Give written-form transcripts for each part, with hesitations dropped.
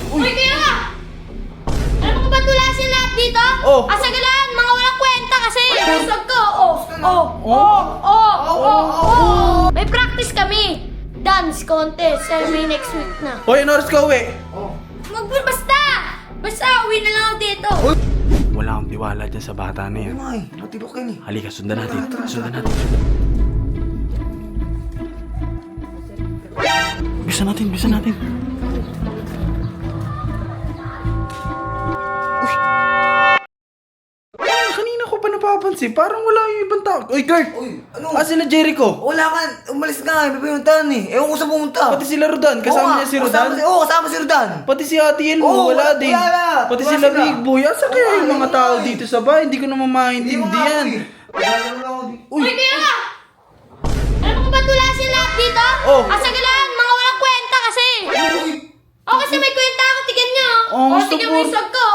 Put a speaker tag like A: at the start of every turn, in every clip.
A: Uy, kaya! Alam mo ba tulasin lahat dito?
B: Oh.
A: Asagalan, mga walang kwenta kasi! Busog ko! May practice kami! Dance contest, may next week na.
B: Hoy, ano oras ka uwi?
A: Basta! Basta, uwi na lang ako dito!
B: Wala akong tiwala dyan sa bata na yan.
C: Ay, matibok yan eh.
B: Halika, sundan natin. Sundan natin. Bisa natin, bisa natin. Kanina ko pa napapansin, parang wala yung ibang tao. Uy, Kurt!
C: Uy, ano?
B: Sila Jericho?
C: Wala ka, umalis ka nga, may pinuntahan eh. Ewan ko sa pumunta.
B: Pati sila Rodan, kasama niya si Rodan?
C: Kasama si Rodan.
B: Pati si Ate Elmo,
C: Oo,
B: wala din.
C: wala.
B: Pati
C: Wala
B: sila
C: sila.
B: Big Boy. Asa kaya yung mga tao dito sa bahay? Hindi ko naman maintindihan.
A: Uy, kaya! Alam mo ba tulasin lahat dito?
B: Oh.
A: Asagalan, mga walang kwenta kasi! Kasi may kwenta ako, tignan nyo!
B: Oh, gusto
A: tignan
B: ko.
A: mo yung sag ko!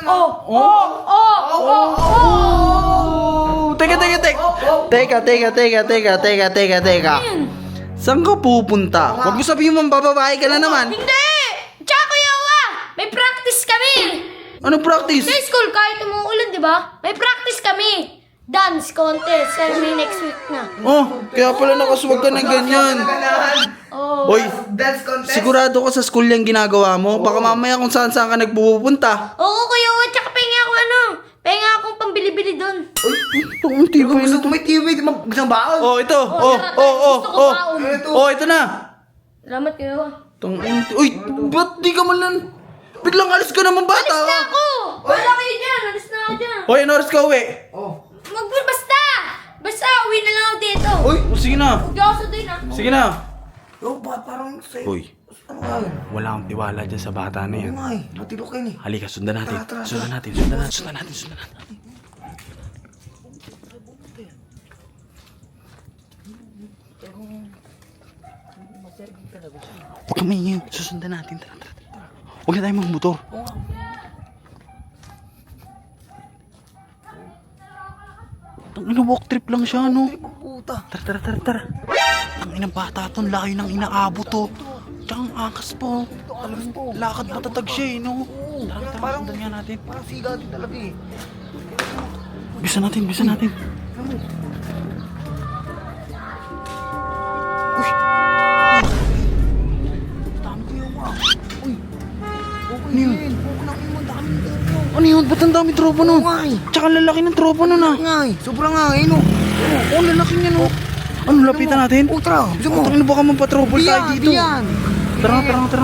B: Teka. Saan ka pupunta? Huwag mo sabihin mo bababae ka na naman.
A: Hindi! Tsaka Kuya Uwa, may practice kami!
B: Ano practice?
A: Sa school, kahit umuulan, di ba? May practice kami! Dance contest, may next week na.
B: Oh, kaya pala nakaswag ka ng ganyan.
A: Oh.
B: Hoy,
C: Dance contest?
B: sigurado ka sa school yung ginagawa mo? Baka mamaya kung saan ka nagpupunta.
A: Oo, Kuya Uwa, tsaka pahinga ako pahinga akong pambili-bili doon.
B: Unti ba
C: Gusto
B: yun?
C: ko may TV, gusto ng baon.
B: Oh, ito.
A: tara, gusto ko baon.
B: Oh, ito na.
A: Salamat, Kuya Uwa.
B: Uy, ba't di ka man lang? Biglang alis ka naman bata.
A: Alis na ako! Wala kayo dyan! Alis na ako dyan!
B: Hoy, ano oras ka uwi?
A: Basta! Basta, uwi na lang ako dito!
B: Uy, sige na.
A: Huwag ako sa doon, ha?
B: Sige na.
C: Yo, parang sa'yo.
B: Hoy,
C: Ano nga yun?
B: wala akong tiwala dyan sa bata na yan.
C: Ano nga eh, matibok yan eh.
B: Halika, sundan natin.
C: Tara.
B: Sundan natin. Huwag kang maingay. Susundan natin. Tara. Huwag na tayo magmotor. Ang walk trip lang siya, no?
C: Puta.
B: Tara. Ang inang bata to, layo ng inaabot to. Tsaka ang angas po. Lakad matatag siya, eh, no? Tara, sundan nga natin.
C: Parang siga din talaga eh.
B: Bisa natin.
C: Dami ko yung mga. Uy. Okay
B: Ano yun?
C: yun. Okay lang yun. Dami ko yun.
B: Ano yun? Ba't ang dami tropa nun?
C: Nga eh.
B: Tsaka ang lalaki ng tropa nun, ah.
C: Nga eh. Sobrang nga eh no.
B: Oo, lalaki niya, no? Ano, lapitan natin?
C: Oh, tara. Gusto mo?
B: Tangin na baka mampatrouble tayo dito.
C: Diyan.
B: Tara.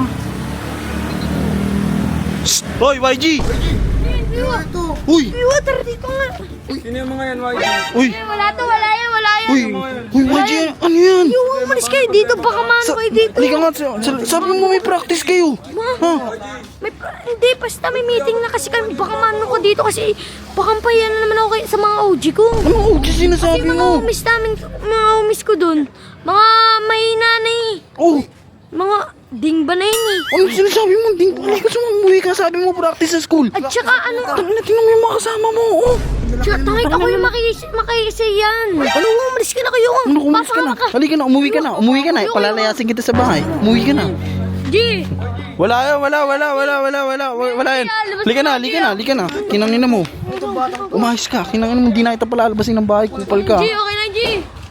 B: Shh! Hoy, YG!
C: Ito.
B: Uy!
A: Uy, tara dito nga!
B: Uy!
A: Wala yan!
B: Uy! Uy, YG! Ano yan?
A: Yung umalis kayo dito, baka maano kayo dito.
B: Halika nga, sabi mo may practice kayo. Ha?
A: Hindi, basta may meeting na kasi kami, baka maano ko dito kasi baka pahiyan na naman ako sa mga OG ko.
B: Ano OG sinasabi
A: Kasi mga
B: mo?
A: homies namin, mga homies ko dun, mga mahina na eh.
B: Oh!
A: Mga dingba na yun eh.
B: Ano sinasabi mo? Hindi ka sumuwi ka. Sabi mo practice sa school.
A: At saka ano,
B: Tingnan mo yung mga kasama mo. Oh.
A: tsaka tangit ako yung makikisiyan. Ano, umalis ka na kayo.
B: Ano, umalis ka na. Halika na, umuwi ka na. Palalayasin kita sa bahay. Umuwi ka na.
A: G!
B: Wala yan. Halika na. Kinangin na mo. Umayos ka. Kinangin mo, hindi na kita palalabasin ng bahay. Kupal ka.
A: G, okay na G!